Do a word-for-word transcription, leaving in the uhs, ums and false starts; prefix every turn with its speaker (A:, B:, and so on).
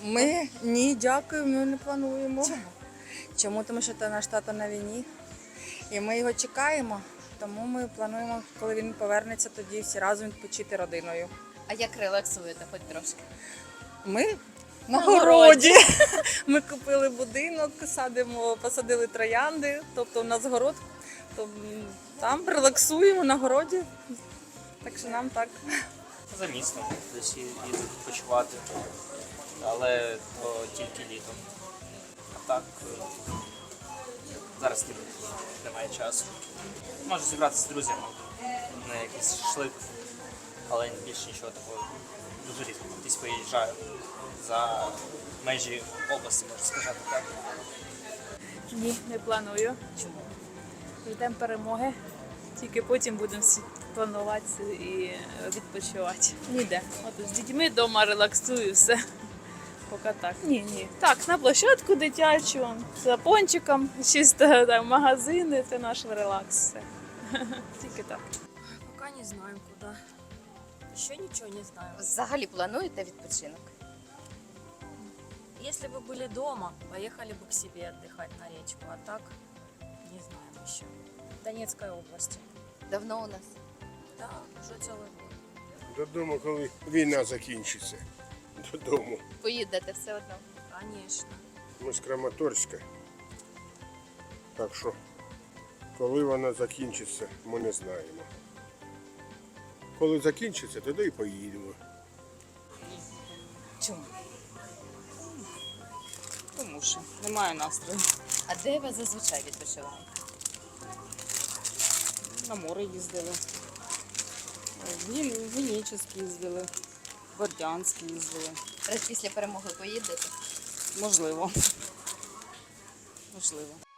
A: Ми ні, дякую, ми не плануємо.
B: Чому?
A: Чому? Тому що наш тато на війні. І ми його чекаємо. Тому ми плануємо, коли він повернеться, тоді всі разом відпочити родиною.
B: А як релаксуєте хоч трошки?
A: Ми на
B: На
A: городі. Ми купили будинок, садимо, посадили троянди, тобто у нас город, то там релаксуємо на городі. Так що нам так.
C: За містом десь їду відпочивати, але то тільки літом. А так е, зараз ніби немає часу. Можу зібратися з друзями на якийсь шашлик, але більше нічого такого. Дуже рідко десь виїжджаю за межі області, можу сказати так.
D: Ні, не планую.
B: Чому?
D: Ждемо перемоги. Тільки потім будемо всі планувати і відпочивати. Ніде. От з дітьми вдома релаксую, все. Поки так. Ні, ні. Так, на площадку дитячу, за пончиком, чисто там, магазини, це наш релакс. Все. Тільки так.
E: Пока не знаем куда. Еще ничего не знаю.
B: Взагалі плануєте відпочинок?
E: Если бы были дома, поехали бы к себе отдыхать на речку. А так, не знаем еще. В Донецкой области.
B: Давно у нас?
E: Да, уже целый год.
F: Додому, коли війна закінчиться. Додому.
B: Поїдете все одно.
E: Конечно.
F: Ми з Краматорська. Так що, коли вона закінчиться, ми не знаємо. Коли закінчиться, тоді і поїдемо.
B: Чому?
A: Тому що немає настрою.
B: А де ви зазвичай відпочиваєте?
A: На море їздили. В Генічеськ їздили, в Бердянськ їздили.
B: Раз після перемоги поїдете?
A: Можливо. Можливо.